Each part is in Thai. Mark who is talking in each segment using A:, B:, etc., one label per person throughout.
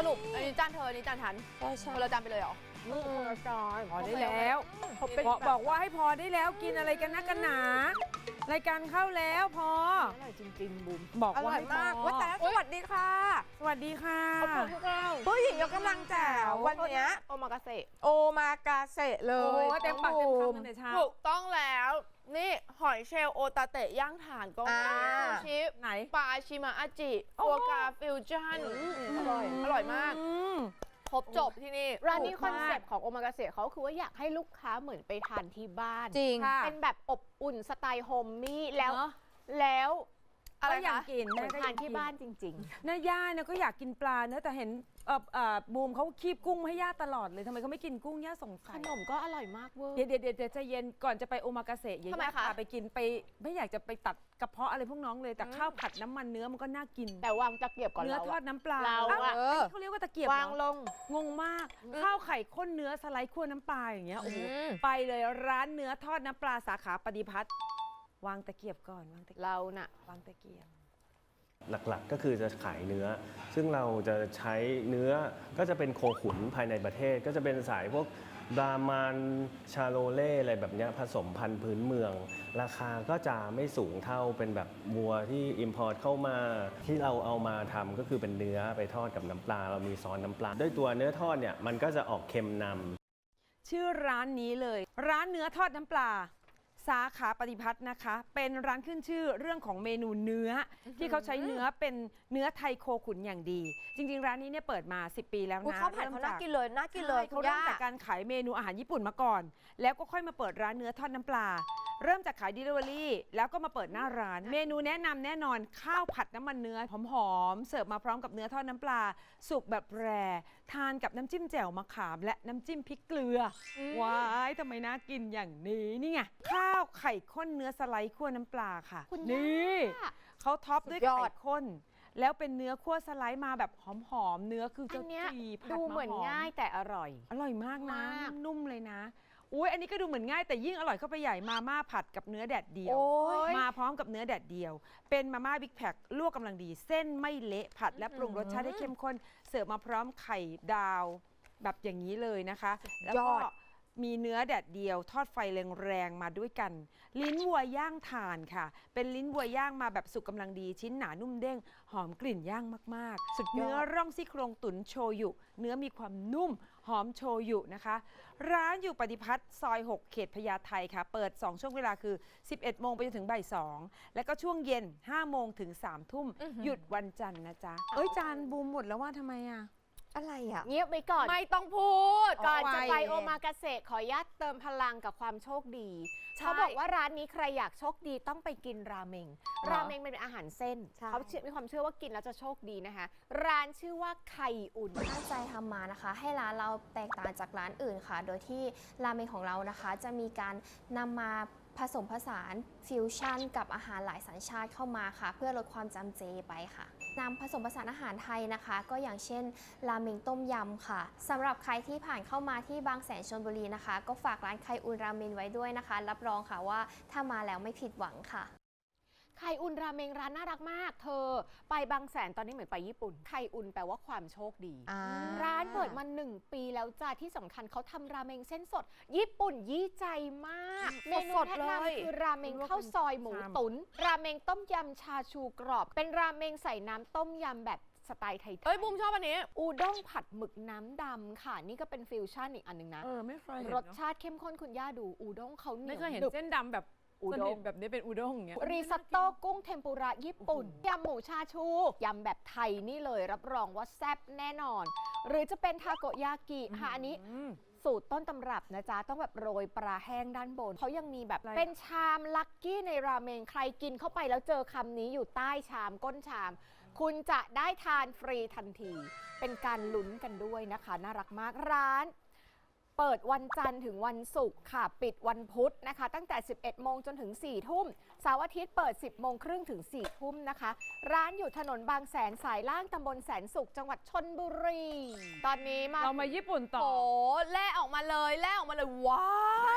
A: รุปอันนี้จานเธออันนี้จานฉัน
B: ใช่
A: คนละจานไปเลยเหรอ
B: คนละจาน
C: พอได้แล้วบอกว่าให้พอได้แล้วกินอะไรกันนักกันหนารายการเข้าแล้วพอ
B: อร่อยจริงๆบุ๋ม
C: บอก
B: อ
C: ว่า
B: ร่อย
C: ให้พ
B: มาก
C: อ
B: ว่าแต่สวัสดีค่ะ
C: สวัสดีค่ะ
B: ผู้หญิงยกกำลังแจ๋ววันเนี้ย
A: โอมากาเสะ
B: โอมากาเสะเล
C: โอ้
B: ย
C: เต็มปากเต็มคำตั้งแต่เช้า
A: ถูกต้องแล้ว นี่หอยเชลล์โอตาเตะย่างถ่านก็มีซูชิ
C: ไหน
A: ปลาชิมาอาจิ
C: โอ้
A: ฟัวกราฟิวชั่นอร่อยมาก ครบจบที่นี่
D: ร้านนี้คอนเซปต์ของโอมากาเสะเขาคือว่าอยากให้ลูกค้าเหมือนไปทานที่บ้าน
B: จริง
C: ค่ะ
D: เป็นแบบอบอุ่นสไตล์โฮมมี่แล้ว
C: เนอะ
D: แล้ว
A: อะไร
C: ก็อยาก
A: คะ
C: กิน
D: เหมือน
C: ก็
D: ทานที่บ้านจริง
C: น้าย่าเนี่ยก็อยากกินปลาเนอะแต่เห็นบูมเขาคีบกุ้งให้ย่าตลอดเลยทำไมเขาไม่กินกุ้งย่าสง
D: ๆ ข
C: สัย
D: นมก็อร่อยมากเวอร์
C: เดี๋ยวใจเย็นก่อนจะไปโอมากาเสะอย่า
A: ทำไม
C: ย่า
A: คะ
C: พาไปกินไปไม่อยากจะไปตัดกระเพาะอะไรพวกน้องเลยแต่ข้าวผัดน้ำมันเนื้อมันก็น่ากิน
D: แต่วางตะเกียบก่อน
C: เนื้อ
D: เรา
C: ทอดน้ำปลา
D: เรา
C: อ้าว
D: อะ
C: อันนี้เขาเรียกว่าตะเกียบเหรอ
D: วางลง
C: งงมาก ข้าวไข่ข้นเนื้อสไลด์คั่วน้ำปลาอย่างเงี้ยโอ้โหไปเลยร้านเนื้อทอดน้ำปลาสาขาปฏิพัฒน์วางตะเกียบก่อนวางตะเกียบ
D: เราน่ะ
C: วางตะเกียบ
E: หลักๆก็คือจะขายเนื้อ ซึ่งเราจะใช้เนื้อก็จะเป็นโคขุนภายในประเทศ ก็จะเป็นสายพวกบรามันชาโลเล่อะไรแบบเนี้ยผสมพันธุ์พื้นเมือง ราคาก็จะไม่สูงเท่าเป็นแบบวัวที่อิมพอร์ตเข้ามาที่เราเอามาทำก็คือเป็นเนื้อไปทอดกับน้ำปลา เรามีซอสน้ำปลา ด้วยตัวเนื้อทอดเนี่ยมันก็จะออกเค็มนำ
C: ชื่อร้านนี้เลย ร้านเนื้อทอดน้ำปลา สาขาปฏิพัฒน์นะคะ เป็นร้านขึ้นชื่อเรื่องของเมนูเนื้อที่เขาใช้เนื้อเป็นเนื้อไทยโคขุนอย่างดี จริงๆ ร้านนี้เนี่ยเปิดมา 10 ปีแล้ว
B: อุ๊ย
C: นะ
B: ข้าวผัดเขาน่ากินเลยน่ากินเลย
C: ใช่
B: คุ
C: เขา
B: ณ
C: เริ่
B: ย่า
C: มจากการขายเมนูอาหารญี่ปุ่นมาก่อน แล้วก็ค่อยมาเปิดร้านเนื้อทอดน้ำปลา เริ่มจากขาย Delivery แล้วก็มาเปิดหน้าร้าน เมนูแนะนำแน่นอนข้าวผัดน้ำมันเนื้อหอมๆเสิร์ฟมาพร้อมกับเนื้อทอดน้ำปลา สุกแบบแรทานกับน้ำจิ้มแจ่วมะขาม และน้ำจิ้มพริกเกลือว้ายทำไมน่ากินอย่างนี้นี่ไงข้าวไข่ข้นเนื้อสไลด์คั่วน้ำปลาค่ะ
D: คุณ
C: นี่
D: ย่า
C: เขาท็อปด้วย
B: สุดยอ
C: ไข่
B: ด
C: ข้น แล้วเป็นเนื้อคั่วสไลด์มาแบบหอมๆเนื้อคือ
D: อั
C: จะ
D: นเนี้ย
C: จีผัด
D: ดู
C: มา
D: เหมือน
C: หอม
D: ง่ายแต่อร่อย
C: อร่อยมากนะ
D: มาก
C: นุ่มๆเลยนะอุ้ยอันนี้ก็ดูเหมือนง่ายแต่ยิ่งอร่อยเข้าไปใหญ่มาม่าผัดกับเนื้อแดดเดียว
B: โอ้ย
C: มาพร้อมกับเนื้อแดดเดียว เป็นมาม่าบิ๊กแพคลวกกำลังดี เส้นไม่เละผัดและปรุงรสชาติให้เข้มข้น เสิร์ฟมาพร้อมไข่ดาวแบบอย่างนี้เลยนะคะ แล้วก็มีเนื้อแดดเดียว ทอดไฟแรงๆมาด้วยกัน ลิ้นวัวย่างถ่านค่ะ เป็นลิ้นวัวย่างมาแบบสุกกำลังดี ชิ้นหนานุ่มเด้ง หอมกลิ่นย่างมากๆ
B: สุดยอด
C: เนื้อร่องซี่โครงตุ๋นโชยุ เนื้อมีความนุ่ม หอมโชยุนะคะ ร้านอยู่ปฏิพัฒน์ซอย 6 เขตพญาไทค่ะ เปิด 2 ช่วงเวลาคือ 11 โมงไปจนถึงบ่าย 2 แล้วก็ช่วงเย็น 5 โมงถึง 3 ทุ่ม หยุดวันจันทร์นะจ๊ะ เอ้ย จานบูมหมดแล้วว่าทำไมอ่ะ
B: อะไรอ่ะ
D: เงียบไปก่อน
A: ไม่ต้องพูด
D: ก่อนจะไป
C: ไว
D: โอมากาเสะขออนุญาตเติมพลังกับความโชคดี
A: ใช่
D: เขาบอกว่าร้านนี้ใครอยากโชคดีต้องไปกินราเมง ราเมงเป็นอาหารเส้น
B: ใช่
D: เขามีความเชื่อว่ากินแล้วจะโชคดีนะคะ ร้านชื่อว่าไข่อุ่น
F: ตั้งใจทำมานะคะ ให้ร้านเราแตกต่างจากร้านอื่นค่ะ โดยที่ราเมงของเรานะคะ จะมีการนำมาผสมผสานฟิวชั่นกับอาหารหลายสัญชาติเข้ามาค่ะ เพื่อลดความจำเจไปค่ะนำผสมผสานอาหารไทยนะคะ ก็อย่างเช่นราเมงต้มยำค่ะสำหรับใครที่ผ่านเข้ามาที่บางแสนชลบุรีนะคะ ก็ฝากร้านไข่อุ่นราเมงไว้ด้วยนะคะ รับรองค่ะว่าถ้ามาแล้วไม่ผิดหวังค่ะ
D: ไข่อุ่นราเมงร้านน่ารักมาก เธอ ไปบางแสนตอนนี้เหมือนไปญี่ปุ่น ไข่อุ่นแปลว่าความโชคดี ร้านเปิดมา 1 ปีแล้วจ้าที่สำคัญเขาทำราเมงเส้นสด ญี่ปุ่นยี่ใจมากเมนู
A: สดๆ
D: แนะ
A: เลย
D: นำคือราเมงข้าวซอยหมูตุ๋นราเมงต้มยำชาชูกรอบ เป็นราเมงใส่น้ำต้มยำแบบสไตล์ไทยๆ
A: เอ้ยบูมชอบอันนี้
D: อูด้งผัดหมึกน้ำดำค่ะ นี่ก็เป็นฟิวชั่นอีกอันหนึ่งนะ
C: ไม่เคยเห็น
D: รสชาติเข้มข้นคุณย่าดูอูด้งเขาเหนี
C: ไม่
D: ยว
C: เคยเห็น
D: หนึบ
C: เส้นดำแบบ
D: อูด้ง
C: สนิทแบบนี้เป็นอูด้งอย่างเงี้ย
D: รีซอตโต้กุ้งเทมปุระญี่ปุ่นยำหมูชาชูยำแบบไทยนี่เลยรับรองว่าแซ่บแน่นอน หรือจะเป็นทาโกยากิค่ะอันนี้สูตรต้นตำรับนะจ๊ะ ต้องแบบโรยปลาแห้งด้านบนเขายังมีแบบ
C: อะไร
D: เป็นชามลักกี้ในราเมงใครกินเข้าไปแล้วเจอคำนี้อยู่ใต้ชามก้นชาม คุณจะได้ทานฟรีทันที เป็นการลุ้นกันด้วยนะคะ น่ารักมากร้าน เปิดวันจันทร์ถึงวันศุกร์ค่ะ ปิดวันพุธนะคะ ตั้งแต่ 11 โมงจนถึง 4 ทุ่มเสาร์อาทิตย์เปิด 10 โมงครึ่งถึง 4 ทุ่มนะคะ ร้านอยู่ถนนบางแสนสายล่างตำบลแสนสุขจังหวัดชลบุรี ตอนนี้มา
C: เรามาญี่ปุ่นต่อ
A: โอ้แล่ออกมาเลย ว้าว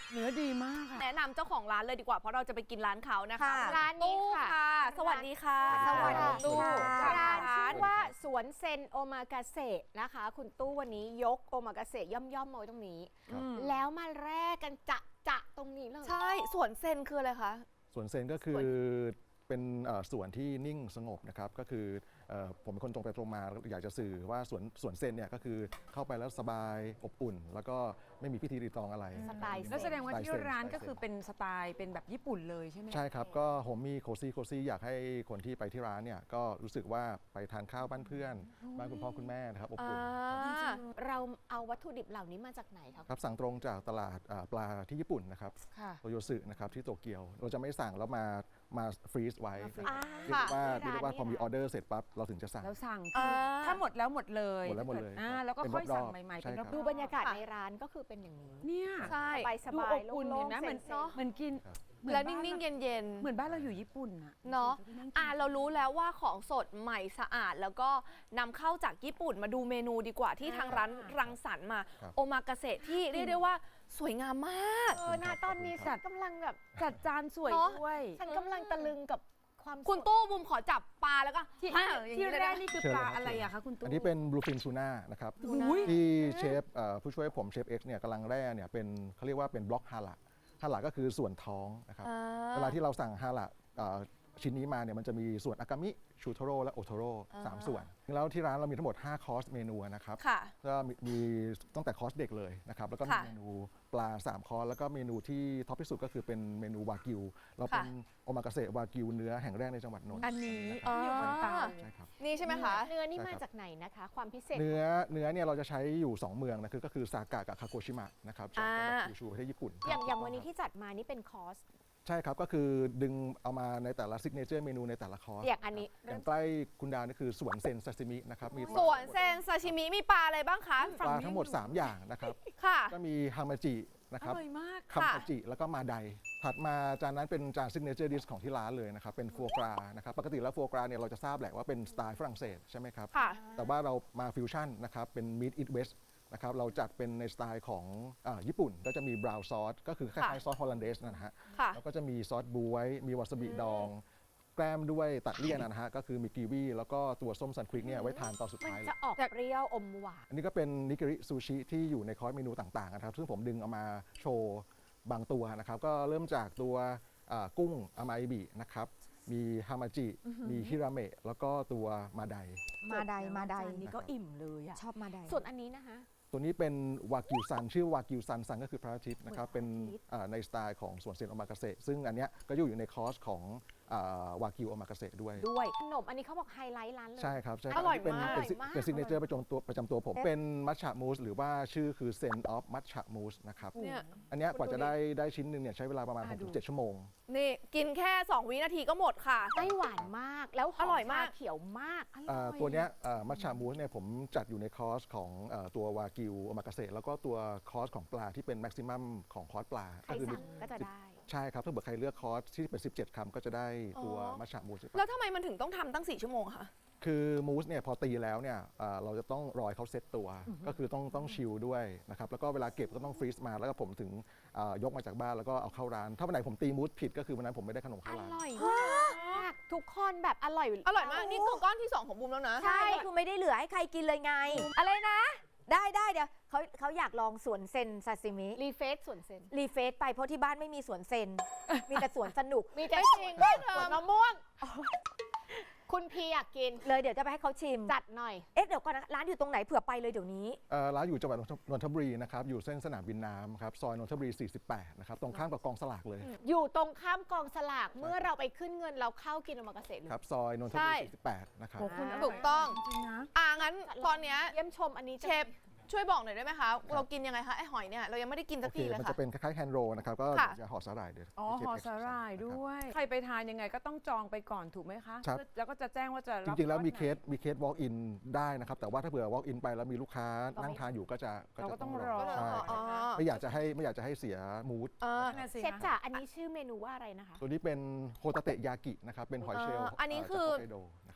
C: เนื้อดีมากค่ะ
A: แนะนำเจ้าของร้านเลยดีกว่าเพราะเราจะไปกินร้านเขานะคะ
B: ค่ะ
D: ร้านนี้ค่ะ
A: สวัสดีค่ะ
B: สวัสดี
A: ตู้
B: ค่ะ
D: ร้านชื่อว่าสวนเซนโอมากาเสะนะคะ คุณตู้วันนี้ยกโอมากาเสะย่อมๆมาไว้ตรงนี้ แล้วมาแรกกันจะตรงนี้เลย
A: ใช่สวนเซนคืออะไรคะ
G: สวนเซนก็คือเป็นสวนที่นิ่งสงบนะครับก็คือผมเป็นคนตรงไปตรงมาอยากจะสื่อว่าสวนเซนเนี่ยก็คือเข้าไปแล้วสบายอบอุ่น แล้วก็ไม่มีพิธีรีตองอะไร
D: สไตล์
C: แล้วแสดงว่าที่
G: สไตล์เซน
C: ร้าน
G: สไตล์
C: ก็คือเป็นสไตล์เป็นแบบญี่ปุ่นเลยใช่ไหม
G: ใช่ครับก็ผมมีโคซี่อยากให้คนที่ไปที่ร้านเนี่ยก็รู้สึกว่าไปทานข้าวบ้านเพื่อนบ้านคุณพ่อคุณแม่นะครับอบอุ่นครับ
D: เราเอาวัตถุดิบเหล่านี้มาจากไหนคะ
G: ครับสั่งตรงจากตลาดปลาที่ญี่ปุ่นนะครับ
C: ค่ะ
G: โตโยสึนะครับที่โตเกียวเราจะไม่สั่งแล้วมาฟรีซไว้
D: อ่า
G: เรียกว่า
D: ค่ะ
G: เรียกว่าพอมีออเดอร์เสร็จปั๊บเราถึงจะสั่ง
C: แล้วสั่ง
A: อ่า
C: ถ้าหมดแล้วหมดเลย
G: หมดแล้วหมดเลย
C: แล้วก็
G: เป็น
C: ค่อย
G: รอบๆ
C: สั่งใหม่ๆ
G: ใช่
C: เป็น
G: ครับ
C: รอบ
D: ดู
C: ๆ
D: บรรยากาศ
A: ค่ะ
D: ในร้านก็คือเป็นอย่างนี้
C: เนี่ย
A: ใช่
D: ส
C: ดู
D: บา
C: อย บอุ่น
D: โล่
C: เห็
D: ง
C: นไหม
D: ๆ
C: เหมือน
D: เซ็นๆ
C: เหมือนกิน
G: ครับ
C: เหมือน
A: แล้ว
C: บ้า
A: นิ่งๆ
C: รา
A: เย็น
C: เหมือนบ้านเราอยู่ญี่ปุ่นอะ
A: ๆเนาะเรารู้แล้วว่าของสดใหม่สะอาด แล้วก็นำเข้าจากญี่ปุ่นมาดูเมนูดีกว่าที่ทางร้านรังสรรค์มา
G: ครับ
A: โอมากาเสะที่เรียกได้ว่าสวยงามมาก
D: นะตอนนี้ฉันกำลังแบบ
C: จัดจานสวย
A: เนอะ
C: ด้วย
D: ฉันกำลังตะลึงกับความ
A: คุณ
D: สด
A: ตู้บุมขอจับปลาแล้วก็
C: ที่
A: ฮ่าอย่าง
C: ที่
A: นี้เลย
C: แร
A: นะ
C: กนี่คือ
G: เชิญ
C: ปลา
G: เลยครับ
C: อะไรอะคะคุณตู้
G: อันนี้เป็นบลูฟินทูน่านะครับ
C: อุ้ย
G: ที่เชฟผู้ช่วยผมเชฟเอ็กซ์เนี่ยกำลังแร่เนี่ยเป็นเขาเรียกว่าเป็นบล็อกฮาระก็คือส่วนท้องนะครับเวลาที่เราสั่งฮาระชิ้นนี้มาเนี่ยมันจะมีส่วนอากามิชูโทโร่และโอโทโร่3ส่วนแล้วที่ร้านเรามีทั้งหมด5คอร์สเมนูนะครับ
A: ค่ะ
G: ก็มีตั้งแต่คอร์สเด็กเลยนะครับแล้วก็มี
A: ค่ะ
G: เมนูปลา3คอร์สแล้วก็เมนูที่ท็อปที่สุดก็คือเป็นเมนูวากิวเราเป็นโอมากาเสะวากิวเนื้อแห่งแรกในจังหวัดนนท์
C: อันนี้
A: อ๋อ
C: ที่อยู่บนเตา
G: ใช่ครับ
A: นี่ใช่ไหมคะ
D: เนื้อนี่
G: ใช่
D: มา
G: ครับ
D: จากไหนนะคะ ความพิเศษ
G: เนื้อเนี่ยเราจะใช้อยู่ 2 เมืองนะก็คือซากะกับคาโกชิมะนะครับจากจังหวัดคิวชูประเทศญี่ปุ่น
D: อย่างวันนี้ที่จัดมานี่เป็นคอร์ส
G: ใช่ครับก็คือดึงเอามาในแต่ละซิกเนเจอร์เมนูในแต่ละคอร์ส
D: อย่างอันนี้
G: อย่างใกล้คุณดาวนี่คือสวนเซนซาซิมินะครับมี
A: สวนเซนซาชิมิมีปลาอะไรบ้างคะ
G: ปลาทั้งหมด 3 อย่างนะครับ
A: ค่ะ
G: ก็มีฮามาจินะครับ
C: อร่อยมาก
G: คัมปาจิแล้วก็มาไดถัดมาจานนั้นเป็นจานซิกเนเจอร์ดิชของที่ร้านเลยนะครับเป็นฟัวกรานะครับปกติแล้วฟัวกราเนี่ยเราจะทราบแหละว่าเป็นสไตล์ฝรั่งเศสใช่ไหมครับ
A: ค่ะ
G: แต่ว่าเรามาฟิวชั่นนะครับเป็นมิดอิทเวสนะครับเราจัดเป็นในสไตล์ของญี่ปุ่นก็จะมีบราวน์ซอสก็คือคล้ายๆซอสฮอลแลนเดสนะฮะ
A: ค่ะ
G: แล้วก็จะมีซอสบวยมีวาซาบิดอง แกล้มด้วยตัดเลี่ยนนะฮะก็คือมีกีวีแล้วก็ตัวส้มซันควิกเนี่ยไว้ทานตอนสุด
D: มัน
G: ท้ายเล
D: จะ
G: ย
D: ออกเปรี้ยวอมหวาน
G: อันนี้ก็เป็นนิกิริซูชิที่อยู่ในคอร์สเมนูต่างๆนะครับซึ่งผมดึงเอามาโชว์บางตัวนะครับก็เริ่มจากตัวกุ้งอามาอิบินะครับมีฮามาจิมีฮิราเมะแล้วก็ตัวมาได
B: มาได
C: จานนี้ก็อิ่มเลยอะ
B: ชอบมาได
D: ส่วนอันนี้นะคะ
G: ตัวนี้เป็นวากิวซันชื่อวากิวซันก็คือพระอาทิตย์นะครับ
D: เหมื
G: เป็
D: อน นพระอาทิตย์
G: ในสไตล์ของสวนเซนโอมากาเสะซึ่งอันเนี้ยก็อยู่ในคอร์สของวากิวโอมากาเสะด้วย
D: ด้วยขนมอันนี้เขาบอกไฮไลท์ร้านเลย
G: ใช่ครับใช่ค
A: อ
G: รับ
A: ร่อย
G: เป็น
A: มาก
G: เป็นซิ
D: อร่อยมาก
G: เป็นซิกเนเจอร์ประจำตัวผม เป็นมัทฉะมูสหรือว่าชื่อคือเซนออฟมัทฉะมูสนะครับ
A: เนี่ย
G: อันเนี้ยกว่า
A: คุณดู
G: จะ
A: ดิ
G: ได้ชิ้นหนึ่งเนี่ยใช้เวลาประมาณ 6-7 ชั่วโมง
A: นี่กินแค่ 2 วินาทีก็หมดค่ะ
D: ไม่หวานมากแล้วห
A: อร่อยมาก
D: ชเขียวมากอร่อย
G: ตัวเนี้ยมัทฉะมูสเนี่ยผมจัดอยู่ในคอร์สของตัววากิวโอมากาเสะแล้วก็ตัวคอร์สของปลาที่เป็นแม็กซิมัมของคอร์สปลา
D: ใคร
G: ก็คือ
D: สั่งก็จะได้
G: ใช่ครับถ้าเกิดใครเลือกคอร์สที่เป็น17 คำก็จะได้ตัว
A: อ๋อ
G: มัทฉะมูสไป
A: แล้วทำไมมันถึงต้องทำตั้ง 4 ชั่วโมงคะ
G: คือมูสเนี่ยพอตีแล้วเนี่ยเราจะต้องรอให้เขาเซตตัว ก็คือต้องชิลด้วยนะครับแล้วก็เวลาเก็บก็ต้องฟรีซมาแล้วก็ผมถึงยกมาจากบ้านแล้วก็เอาเข้าร้าน ถ้าวันไหนผมตีมูสผิดก็คือวันนั้นผมไม่ได้ขนม
D: อ
G: เข้าร้าน
D: ร่อยมากทุกคนแบบอร่อย
A: อร่อยมาก นี่คือก้อนที่ 2 ของบูมแล้วนะ
B: ใช่คือไม่ได้เหลือให้ใครกินเลยไง อะไรนะ ได้เดี๋ยวเขาอยากลองสวนเซนซาซิมิ
D: รีเฟซส่วนเซน
B: รีเฟซไปเพราะที่บ้านไม่มีสวนเซน มีแต่สวนสนุก
D: มีแต่
A: ไม่จริงไม่เธอ
D: สวนมะม่วง คุณพีอยากกิน
B: เลยเดี๋ยวจะไปให้เขาชิม
D: จัดหน่อย
B: เอ๊ะเดี๋ยวก่อนนะร้านอยู่ตรงไหนเผื่อไปเลยเดี๋ยวนี้
G: ร้านอยู่จังหวัดนนทบุรีนะครับอยู่เส้นสนามบินน้ำครับซอยนนทบุรี 48 นะครับตรงข้ามกับกองสลากเลย
D: อยู่ตรงข้ามกองสลากเมื่อเราไปขึ้นเงินเราเข้ากินโอมากาเสะเลย
G: ครับซอยนนทบุรี 48 นะครับ
C: โอ้คุณร่ย
A: ถูกต้อง
C: จริงๆนะ
A: งั้นตอนเนี้ย
D: เยี่ยมชมอันนี้จะ
A: เชฟช่วยบอกหน่อยได้ไหมคะ เรากินยังไงคะไอหอยเนี่ย เรายังไม่ได้กินสั
G: โอก เค
A: ทีเลย
G: มัน
A: ค่ะ
G: จะเป็นคล้ายๆแฮนด์โรลนะครับก็
A: ค่ะ
G: จะห่อสาหร่ายเดี๋ยว
C: อ๋อ
G: เชฟ
C: ห่อ
G: เกซ์
C: สาหร่าย
G: นะครับ
C: ด้วย ใครไปทานยังไงก็ต้องจองไปก่อนถูกไหมคะ
G: ครับ
C: แล้วก็จะแจ้งว่าจะ
G: จ
C: รับ
G: ริงๆแล้วมี
C: ก้อน
G: เค
C: ไหน
G: สwalk in ได้นะครับแต่ว่าถ้าเผื่อ walk in ไปแล้วมีลูกค้านั่งทานอยู่ก็จะ
C: เราก็ต้องรอ
G: ใช่
A: อ๋อ
G: ไม่อยากจะให้เสียมูด
C: นั่นน่ะสิ
D: เชฟ
C: คะ
D: จ๋าอันนี้ชื่อเมนูว่าอะไรนะคะ
G: ตัวนี้เป็นโฮตาเตะยากินะครับ เป็นหอยเชลล์
A: อันนี้คือ
G: จากฮอกไกโดนะครับ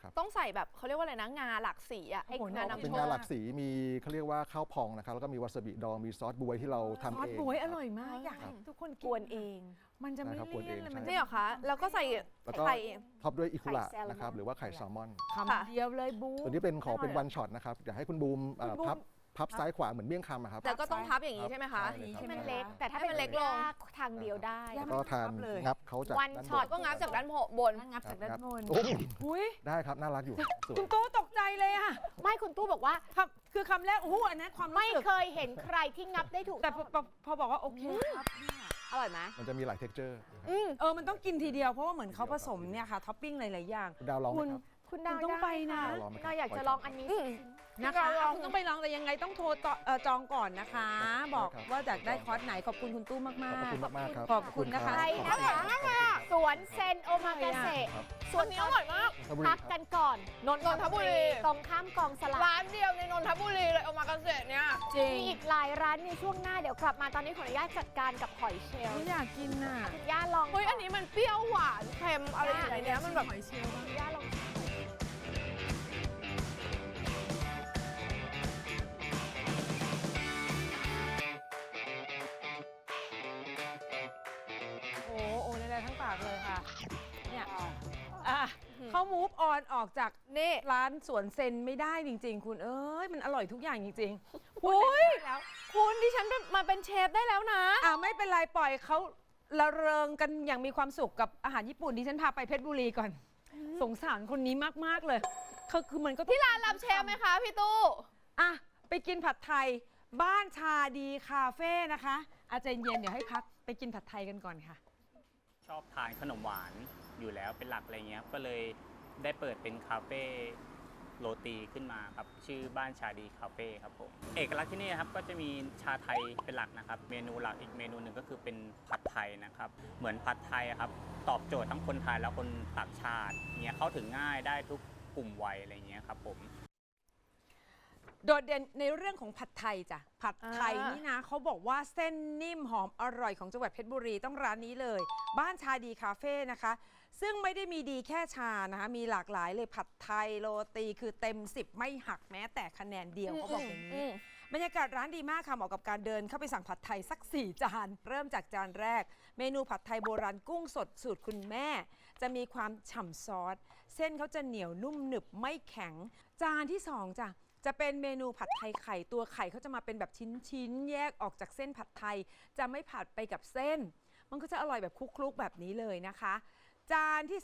G: ครับ
A: ต้องใส่แบบเขาเรียกว่าอะไรนะงาหลากสีอะให้
C: โอ้โห
A: งา
G: เป็น
A: นำโช
G: งา
A: ค
G: หลากสีมีเขาเรียกว่าข้าวพองนะครับแล้วก็มีวาซาบิดองมีซอสบวยที่เราทำ
C: ซอส
G: เอง
C: บวยอ
G: ครับ
C: ร่อยมากอยากให้ทุกคน
B: กวนเอง
C: มันจะไม่
G: ใช่ครับกวนเอ
C: เลี่ย
G: ง
C: นเลย
G: ใช่
C: มัน
A: นี่เหรอคะแล้วก็ใส่
G: แล้วก็
A: ไข่
G: ท็อปด้วยอิคุระ
B: ไข่แซลมอน
G: นะครับหรือว่าไข่แซลมอน
C: คำเดียวเลยบู
G: ตัวนี้เป็นขอเป็นวันช็อตนะครับอยากให้คุณบูมพับซ้ายขวาเหมือนเมี่ยงคำอะครับ
A: แต่ก็ต้องพับอย่างนี้ใช่ไหมคะ
G: ใช่เลยครับ
B: ให้มันเล็ก แต่ถ้า
A: ให้มันเล็กลง
B: ทางเดียวได้
G: แล้วก็ทานงับเขาจาก
B: วัน
G: ด้าน
B: ช็อต
G: บน
A: ก็งับจากด้านบน
C: งับจากด้านบน
G: โอ้ย
C: อุ้ย
G: ได้ครับน่ารักอยู่สวย
C: คุณตู้ตกใจเลยอะ
D: ไม่คุณตู้บอกว่า
C: คือคำแรกโอ้โหอันนั้นความรู้
D: ไม่
C: สึก
D: เคยเห็นใครที่งับได้ถูก
C: แต่
D: ต้อง
C: พอบอกว่าโอเคครับเนี่ย
B: อร่อยไหม
G: มันจะมีหลายเท็กเจอร์
C: มันต้องกินทีเดียวเพราะว่าเหมือนเขาผสมเนี่ยค่ะท็อปปิ้งหลายๆอย่าง
G: คุณดาวลองไหมครับ
D: คุณดาว
C: คุณต้องไปนะ
D: ด้
G: ลองไหมครับ
D: เราอยากจะลองอันนี้
C: นะคะคุณต้องไปลองแต่ยังไงต้องโทรจองก่อนนะคะ บอกว่าอยากได้คอร์สไหนขอบคุณคุณตู้มาก
G: ขอบคุณมากๆครับ
C: ขอบคุณนะคะ
G: ขอบณ
D: ไปนะคะ
G: รับ
D: สวนเซนโอมากาเสะ
G: ครับ
D: ส่วนนี้อร่อยมาก
G: ขอบคุณ
D: พัก
G: ครับ
D: กันก่อนนนทบุรีตรงข้ามกองสลาก
A: ร้านเดียวในนนทบุรีเลยเอามากาเกษตรเนี่ย
C: จริง
D: มีอีกหลายร้านในช่วงหน้าเดี๋ยวกลับมาตอนนี้ขออนุญาตจัดการกับหอยเชลล์
C: ไม่อยากกินน่ะ
D: คุณย่าลอง
A: เฮ้ยอันนี้มันเปรี้ยวหวานเค็มอะไรอย่างเงี้ยมันแบบ
D: คุณย่าลอง
C: โอ้ในทั้งปากเลยค่ะเนี่ยเขามูฟออนออกจาก
A: นี่
C: ร้านสวนเซนไม่ได้จริง ๆ คุณเอ้ยมันอร่อยทุกอย่างจริงๆ
A: โอ้ย
C: แล้ว
A: คุณดิฉันมาเป็นเชฟได้แล้วนะ
C: ไม่เป็นไรปล่อยเขาละเริงกันอย่างมีความสุขกับอาหารญี่ปุ่นดิฉันพาไปเพชรบุรีก่อน สงสารคนนี้มากๆเลยคือมันก็ที่ร้าน
A: รับเชฟไหมคะพี่ตู้
C: ไปกินผัดไทยบ้านชาดีคาเฟ่นะคะอาจารย์เย็นเดี๋ยวให้พักไปกินผัดไทยกันก่อนค่ะ
H: ชอบทานขนมหวานอยู่แล้วเป็นหลักอะไรเงี้ยก็เลยได้เปิดเป็นคาเฟ่โรตีขึ้นมาครับชื่อบ้านชาดีคาเฟ่ครับผมเอกลักษณ์ที่นี่ครับก็จะมีชาไทยเป็นหลักนะครับเมนูหลักอีกเมนูหนึ่งก็คือเป็นผัดไทยนะครับเหมือนผัดไทยอะครับตอบโจทย์ทั้งคนไทยและคนต่างชาติเนี่ยเข้าถึงง่ายได้ทุกกลุ่มวัยอะไรเงี้ยครับผม
C: โดดเด่นในเรื่องของผัดไทยจ้ะผัดไทยนี่นะเขาบอกว่าเส้นนิ่มหอมอร่อยของจังหวัดเพชรบุรีต้องร้านนี้เลย บ้านชาดีคาเฟ่นะคะซึ่งไม่ได้มีดีแค่ชานะคะมีหลากหลายเลยผัดไทยโรตีคือเต็ม10ไม่หักแม้แต่คะแนนเดียวเขาบอกอย่างนี้บรรยากาศร้านดีมากค่ะเหมาะกับการเดินเข้าไปสั่งผัดไทยสัก4 จานเริ่มจากจานแรกเมนูผัดไทยโบราณกุ้งสดสูตรคุณแม่จะมีความฉ่ำซอสเส้นเขาจะเหนียวนุ่มหนึบไม่แข็งจานที่2จ้ะจะเป็นเมนูผัดไทยไข่ตัวไข่เขาจะมาเป็นแบบชิ้นๆแยกออกจากเส้นผัดไทยจะไม่ผัดไปกับเส้นมันก็จะอร่อยแบบคลุกๆแบบนี้เลยนะคะจานที่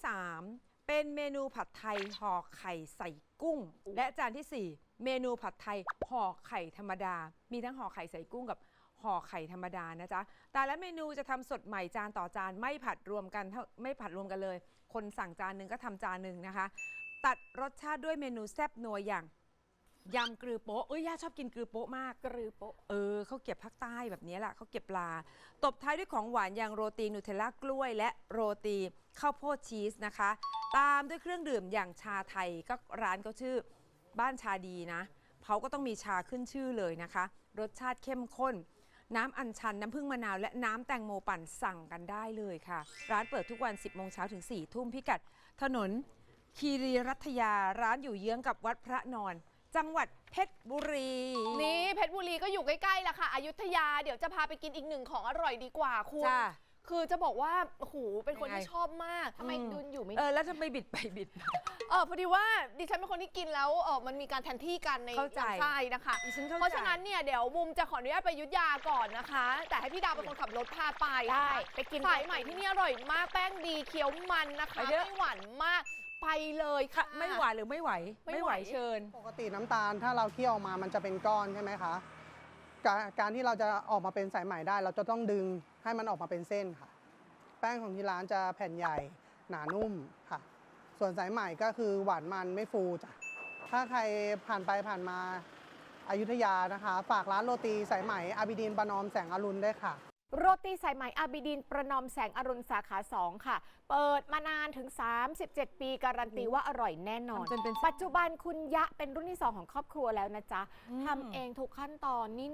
C: 3เป็นเมนูผัดไทยห่อไข่ใส่กุ้งและจานที่4เมนูผัดไทยห่อไข่ธรรมดามีทั้งห่อไข่ใส่กุ้งกับห่อไข่ธรรมดานะจ๊ะแต่ละเมนูจะทำสดใหม่จานต่อจานไม่ผัดรวมกันเลยคนสั่งจานหนึ่งก็ทำจานหนึ่งนะคะตัดรสชาติด้วยเมนูแซ่บนัวอย่างยำกรือโป๊ะย่าชอบกินกรือโป๊ะมากกรือโป๊ะเขาเก็บภาคใต้แบบนี้แหละเขาเก็บปลาตบท้ายด้วยของหวานอย่างโรตีนูเทลล่ากล้วยและโรตีข้าวโพดชีสนะคะตามด้วยเครื่องดื่มอย่างชาไทยก็ร้านเขาชื่อบ้านชาดีนะเขาก็ต้องมีชาขึ้นชื่อเลยนะคะรสชาติเข้มข้นน้ำอัญชันน้ำผึ้งมะนาวและน้ำแตงโมปั่นสั่งกันได้เลยค่ะร้านเปิดทุกวัน 10 โมงเช้าถึง 4 ทุ่มพิกัดถนนคีรีรัตยาร้านอยู่เยื้องกับวัดพระนอนจังหวัดเพชรบุรี
A: นี่เพชรบุรีก็อยู่ใกล้ๆแหละค่ะอยุธยาเดี๋ยวจะพาไปกินอีกหนึ่งของอร่อยดีกว่าคุณคือจะบอกว่าโอ้โหเป็นคนที่ชอบมาก
D: ทำไมดุนอยู่ไม่
C: แล้วทำไมบิดไปบิดมา
A: พอดีว่าดิฉันเป็นคนที่กินแล้วมันมีการแทนที่กันในลำไส้นะคะเพราะฉะนั้นเนี่ยเดี๋ยวบุมจะขออนุญาตไปอยุธยาก่อนนะคะ แต่ให้พี่ดาวเป็นคนขับรถพาไป
D: ได้ไปกิน
A: สายใหม่ที่นี่อร่อยมากแป้งดีเคี้ยวมันนะคะไม่หวานมากไปเลยค่ะ
C: ไม่หวานหรือไม่ไหวไม่ไหวเชิญ
I: ปกติน้ำตาลถ้าเราเคี่ยวออกมามันจะเป็นก้อนใช่ไหมคะการที่เราจะออกมาเป็นสายไหมได้ เราจะต้องดึงให้มันออกมาเป็นเส้นค่ะ แป้งของที่ร้านจะแผ่นใหญ่หนานุ่มค่ะ ส่วนสายไหมก็คือหวานมันไม่ฟูจ้ะถ้าใครผ่านไปผ่านมาอยุธยานะคะ ฝากร้านโรตีสายไหมอาบิดินประนอมแสงอรุณด้วยค่ะ
D: โรตีสายไหมอาบิดินประนอมแสงอรุณสาขา2ค่ะเปิดมานานถึง37 ปีการันตีว่าอร่อยแน่นอน
C: จนเป็น
D: ปัจจุบันคุณยะเป็นรุ่นที่2ของครอบครัวแล้วนะจ๊ะทำเองทุกขั้นตอนนี่เนี่ย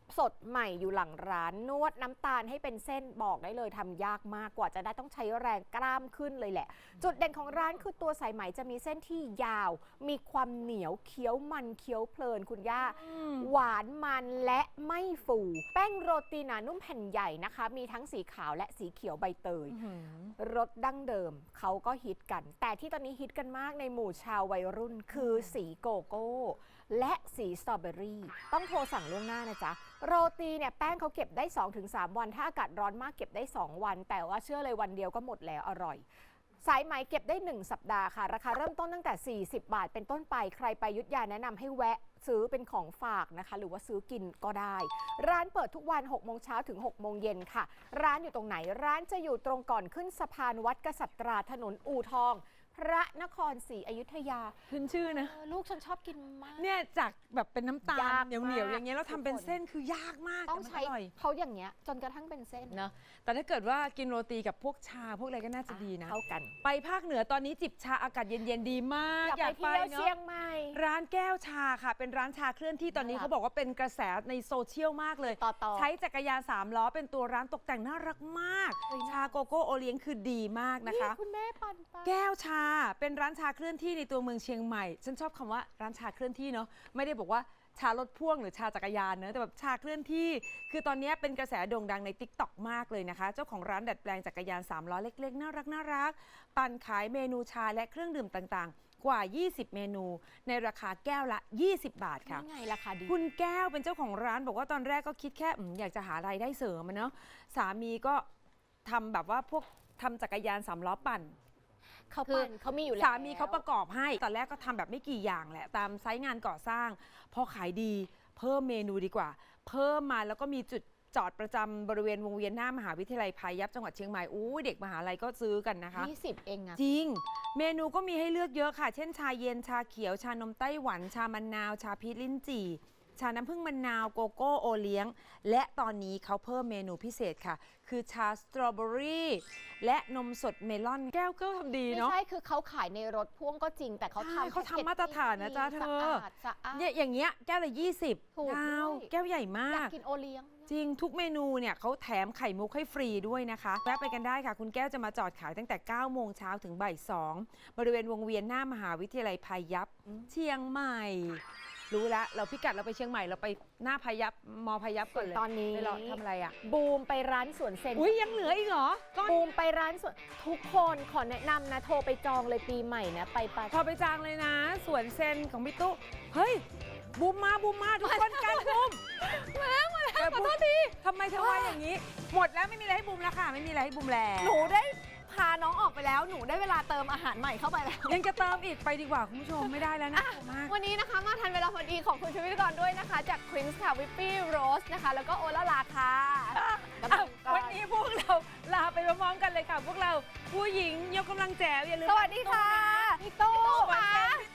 D: สดใหม่อยู่หลังร้านนวดน้ำตาลให้เป็นเส้นบอกได้เลยทำยากมากกว่าจะได้ต้องใช้แรงกล้ามขึ้นเลยแหละ จุดเด่นของร้านคือตัวสายไหมจะมีเส้นที่ยาว มีความเหนียวเคี้ยวมันเคี้ยวเพลินคุณย่า หวานมันและไม่ฟู แป้งโรตีหนานุ่มแผ่นใหญ่นะคะ มีทั้งสีขาวและสีเขียวใบเตย รสดั้งเดิมเขาก็ฮิตกัน แต่ที่ตอนนี้ฮิตกันมากในหมู่ชาววัยรุ่นคือสีโกโก้ และสีสตรอเบอรี่ต้องโทรสั่งล่วงหน้านะจ๊ะ โรตีเนี่ยแป้งเขาเก็บได้ 2-3 วัน ถ้าอากาศร้อนมากเก็บได้ 2 วัน แต่ว่าเชื่อเลยวันเดียวก็หมดแล้วอร่อย สายไหมเก็บได้ 1 สัปดาห์ค่ะ ราคาเริ่มต้นตั้งแต่ 40 บาทเป็นต้นไปใครไปอยุธยาแนะนำให้แวะซื้อเป็นของฝากนะคะ หรือว่าซื้อกินก็ได้ ร้านเปิดทุกวัน 6 โมงเช้าถึง 6 โมงเย็นค่ะ ร้านอยู่ตรงไหนร้านจะอยู่ตรงก่อนขึ้นสะพานวัดกษัตราถนนอู่ทอง พระนครศรีอยุธยา
C: ขึ้นชื่อนะ
D: ลูกฉันชอบกินมาก
C: เนี่ยจากแบบเป็นน้ำตาย
D: า
C: ล
D: ก
C: เหนียว
D: มาก
C: ๆอย่างเงี้ยแล้วทำเป็นเส้นคือยากมาก
D: ต้อง
C: แต่มัน
D: ใช้
C: อร่อย
D: เขาอย่างเงี้ยจนกระทั่งเป็นเส้น
C: เนอะแต่ถ้าเกิดว่ากินโรตีกับพวกชาพวกอะไรก็น่าจะดีนะ
D: เข้ากัน
C: ไปภาคเหนือตอนนี้จิบชาอากาศเย็นๆดีมาก
D: อยากไปเที่ยว
C: เนอะ
D: เชียงใหม่
C: ร้านแก้วชาค่ะ เป็นร้านชาเคลื่อนที่ตอนนี้
D: น่ารัก
C: เขาบอกว่าเป็นกระแสในโซเชียลมากเลย
D: ต่อ
C: ใช้จักรยาน3 ล้อเป็นตัวร้านตกแต่งน่ารักมาก ชาโกโก้โอเลี้ยงคือดีมากนะคะ
D: คุณแม่ปั่นไป
C: แก้วชาเป็นร้านชาเคลื่อนที่ในตัวเมืองเชียงใหม่ ฉันชอบคำว่าร้านชาเคลื่อนที่เนาะไม่ได้บอกว่าชารถพ่วงหรือชาจักรยานเนอะแต่แบบชาเคลื่อนที่ คือตอนนี้เป็นกระแสโด่งดังใน TikTok มากเลยนะคะ เจ้าของร้านดัดแปลงจักรยาน3 ล้อเล็กๆน่ารักปั่นขายเมนูชาและเครื่องดื่มต่างๆ กว่า 20 เมนู ในราคาแก้วละ 20 บาทค่ะ
D: นี่ไงราคาดี
C: คุณแก้วเป็นเจ้าของร้านบอกว่าตอนแรกก็คิดแค่อยากจะหารายได้เสริมอะเนาะสามีก็ทำแบบว่าพวกทำจักรยาน3 ล้อปั่น
D: เขาปั่นเขามีอยู่แล้ว
C: สามีเขาประกอบให้ ตอนแรกก็ทำแบบไม่กี่อย่างแหละ ตามไซต์งานก่อสร้าง พอขายดีเพิ่มเมนูดีกว่า เพิ่มมาแล้วก็มีจุดจอดประจำบริเวณวงเวียนหน้ามหาวิทยาลัยพายัพจังหวัดเชียงใหม่อู้เด็กมหาลัยก็ซื้อกันนะคะ
D: 20 เองอะ
C: จริง เมนูก็มีให้เลือกเยอะค่ะ เช่นชาเย็น ชาเขียว ชานมไต้หวัน ชามะนาว ชาพีชลิ้นจี่ ชาน้ำผึ้งมะนาว โกโก้โอเลี้ยง และตอนนี้เขาเพิ่มเมนูพิเศษค่ะ คือชาสตรอเบอรี่และนมสดเมลอน แก้วก็ทำดี
D: ไม่
C: เนาะ
D: ใช่คือเขาขายในรถพ่วงก็จริง แต่เขา
C: ใช่
D: ทำ
C: เขาทำมาตรฐานนะจ๊ะเธอ
D: สะอาด
C: เนี่ยอย่างเงี้ยแก้วละ 20
D: ถูก
C: ดาว
D: ด้วย
C: แก้วใหญ่มาย
D: อยาก กกินโอเลี้ยง
C: จริงทุกเมนูเนี่ยเขาแถมไข่มุกให้ฟรีด้วยนะคะแวะไปกันได้ค่ะ คุณแก้วจะมาจอดขายตั้งแต่ 9 โมงเช้าถึงบ่าย 2 บริเวณวงเวียนหน้ามหาวิทยาลัยพายัพเชียงใหม่ รู้ละเราพิกัดเราไปเชียงใหม่เราไปหน้าพายัพมอพายัพก่อนเลย
D: ตอนนี้
C: ไปรอทำอะไรอ่ะ
D: บูมไปร้านสวนเซน
C: อุ้ยยังเหลืออีกเหรอก้อน
D: บูมไปร้านสวนทุกคนขอแนะนำนะ โทรไปจองเลยปีใหม่นะไป
C: พอไปจางเลยนะสวนเซนของพี่ตุ๊เฮ้ยบูมมาทุกคนกันบูมมาแล้วขอโทษทีทำไมเธอว่าอย่างนี้ หมดแล้วไม่มีอะไรให้บูมแล้วค่ะไม่มีอะไรให้บูมแล้ว
A: หนูได้พาน้องออกไปแล้ว หนูได้เวลาเติมอาหารใหม่เข้าไปแล้ว
C: ยังจะเติมอีกไปดีกว่าคุณผู้ชมไม่ได้แล้วนะมาก
A: วันนี้นะคะมาทันเวลาพอดีของคุณชีวิตกรด้วยนะคะ จากควินส์ค่ะวิปปี้โรสนะคะ แล้วก็โอลาลาค่ะ
C: วันนี้พวกเราลาไปพร้อมๆกันเลยค่ะ พวกเราผู้หญิงยกกำลังแจ๋วอย่าลืม
A: สวัสดีค่ะ
C: พี่ตู้
A: ค่ะ
C: พี่